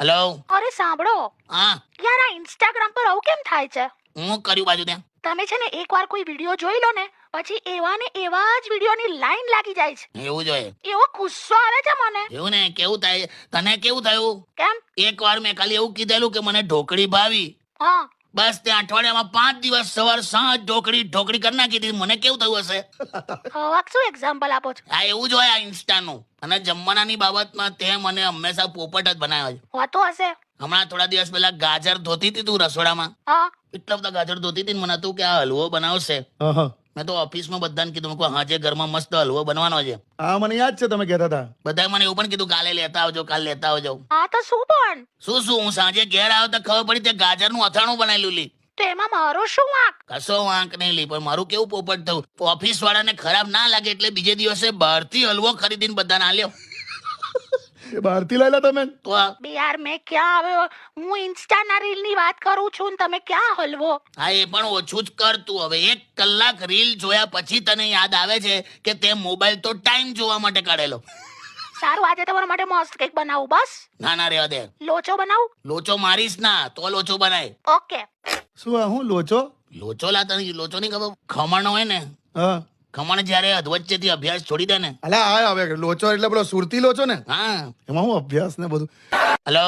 Hello. અરે સાંભળો હા, યાર, આ ઇન્સ્ટાગ્રામ પર આવું કેમ થાય છે? હું કર્યું બાજુ ત્યાં? તમે છે ને એકવાર કોઈ વિડીયો જોઈ લો ને, પછી એવા ને એવા જ વિડીયોની લાઈન લાગી જાય છે. એવું જોઈએ. એવો ગુસ્સો આવે છે મને. એવું ને, કેવું થાય તને? કેવું થયું? કેમ? એકવાર મેં ખાલી એવું કીધેલું કે મને ઢોકળી ભાવી, હા, બસ ત્યાં અઠવાડિયામાં 5 દિવસ સવાર સાંજ ઢોકળી કરી નાખી દીધી. મને કેવું થયું હશે? હવે શું એક્ઝામ્પલ આપો છો? આ એવું જ હોય આ ઇન્સ્ટાનું. અને જમવાનાની બાબતમાં તે મને હંમેશા પોપટ જ બનાવ્યો છે. હોતો હશે. હમણાં થોડા દિવસ પહેલા ગાજર ધોતી હતી તું રસોડામાં, હા, એટલા બધા ગાજર ધોતી હતી ને મને હતું કે આ હલવો બનાવશે. મેં તો ઓફિસમાં બધાને કીધું, મેં કહ્યું, હાજે ઘરમાં મસ્ત હલવો બનવાનો છે. હા, મને યાદ છે તમે કહેતા હતા. બધાએ મને એવું પણ કીધું કાલે લેતા આવજો, કાલે લેતા આવજો. હા તો શું પણ? શું હું સાંજે ઘેર આવ્યો તો ખબર પડી તે ગાજરનું અથાણું બનાવેલું લી. તો એમાં મારો શું વાંક? કશો વાંક નહીં લી, પણ મારું કેવું પોપટ થયું, ઓફિસ વાળાને ખરાબ ના લાગે એટલે બીજે દિવસે બહારથી હલવો ખરીદીને બધાને આલ્યો. એ બહારથી લાયેલા તમે? તો આ બે યાર, મેં ક્યાં આવ્યો? હું ઇન્સ્ટાના રીલ ની વાત કરું છું ને તમે ક્યાં હલવો? હા, એ પણ ઓછું જ કર તું હવે. 1 કલાક રીલ જોયા પછી તને યાદ આવે છે કે તે મોબાઈલ તો ટાઈમ જોવા માટે કાઢેલો. સારું, આજે તમારા માટે મસ્ત કેક બનાવું. બસ ના રહેવા દે. લોચો બનાવું. લોચો મારીશ ના તો લોચો બનાય. ઓકે. શું આ હું લોચો? લોચો લા, તને લોચો નહીં ખબર? ખમણ હોય ને, હા, ખમણ જયારે અધવચ્ચેથી અભ્યાસ છોડી દે ને. અલા આ હવે લોચો એટલે પેલો સુરતી લોચો ને? હા, એમાં હું અભ્યાસ ને બધું. હેલો.